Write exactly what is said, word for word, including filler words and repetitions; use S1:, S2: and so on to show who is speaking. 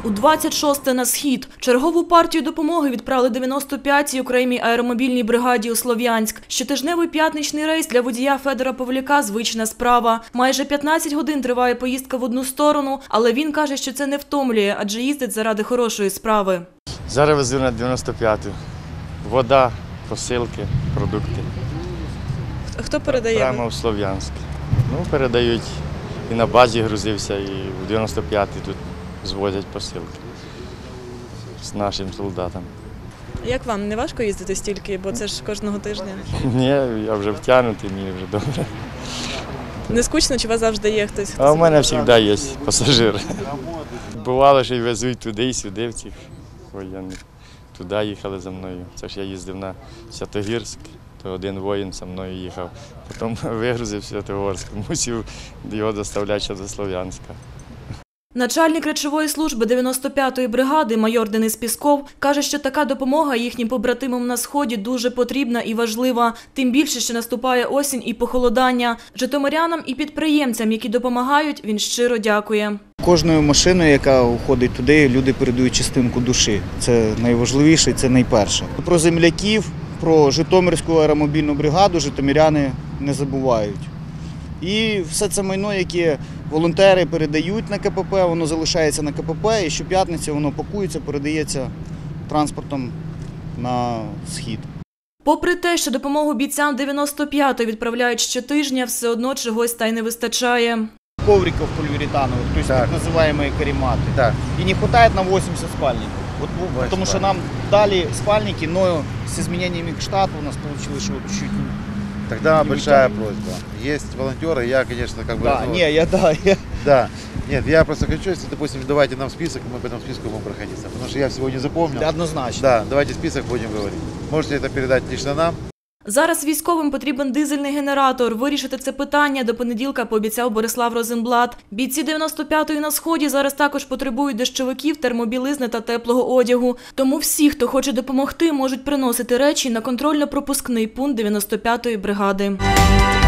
S1: У двадцять шосте на схід. Чергову партію допомоги відправили дев'яносто п'ятій окремій аеромобільній бригаді у Слов'янськ. Щотижневий п'ятничний рейс для водія Федора Павлюка – звична справа. Майже п'ятнадцять годин триває поїздка в одну сторону, але він каже, що це не втомлює, адже їздить заради хорошої справи.
S2: Зараз везу на дев'яносто п'яту. Вода, посилки, продукти.
S1: Хто передає?
S2: Прямо в Слов'янськ. Ну, передають. І на базі грузився, і в дев'яносто п'ятій тут звозять посилки з нашим солдатам.
S1: Як вам, не важко їздити стільки, бо це ж кожного тижня?
S2: Ні, я вже втягнутий, мені вже добре.
S1: Не скучно, чи у вас завжди є хтось?
S2: А у мене завжди є пасажири. Бувало, що й везуть туди і сюди в цих воєнних. Туди їхали за мною. Це ж я їздив на Святогірськ, то один воїн зі мною їхав. Потім вигрузив Святогорськ, мусив його доставляти ще до Слов'янська.
S1: Начальник речової служби дев'яносто п'ятої бригади майор Денис Пісков каже, що така допомога їхнім побратимам на Сході дуже потрібна і важлива. Тим більше, що наступає осінь і похолодання. Житомирянам і підприємцям, які допомагають, він щиро дякує.
S3: Кожною машиною, яка уходить туди, люди передають частинку душі. Це найважливіше, це найперше. Про земляків, про Житомирську аеромобільну бригаду житомиряни не забувають. І все це майно, яке волонтери передають на ка пе пе, воно залишається на ка пе пе, і щоп'ятниці воно пакується, передається транспортом на схід.
S1: Попри те, що допомогу бійцям дев'яносто п'ятої відправляють щотижня, все одно чогось та й не вистачає.
S3: Ковриков полиуретановых, то есть так, так называемые карематы. Так. И не хватает нам восемьдесят спальников. Вот, потому что нам дали спальники, но с изменениями к штату у нас получилось, что чуть-чуть.
S4: Тогда большая просьба. Есть волонтеры, я, конечно, как бы...
S3: Да,
S4: ну,
S3: не, я, да, я...
S4: Да. Нет, я просто хочу, если, допустим, давайте нам список, мы по этому списку будем проходиться. Потому что я всего не запомнил.
S3: Да, однозначно.
S4: Да, давайте список будем говорить. Можете это передать лично нам.
S1: Зараз військовим потрібен дизельний генератор. Вирішити це питання до понеділка пообіцяв Борислав Розенблат. Бійці дев'яносто п'ятої на Сході зараз також потребують дощовиків, термобілизни та теплого одягу. Тому всі, хто хоче допомогти, можуть приносити речі на контрольно-пропускний пункт дев'яносто п'ятої бригади.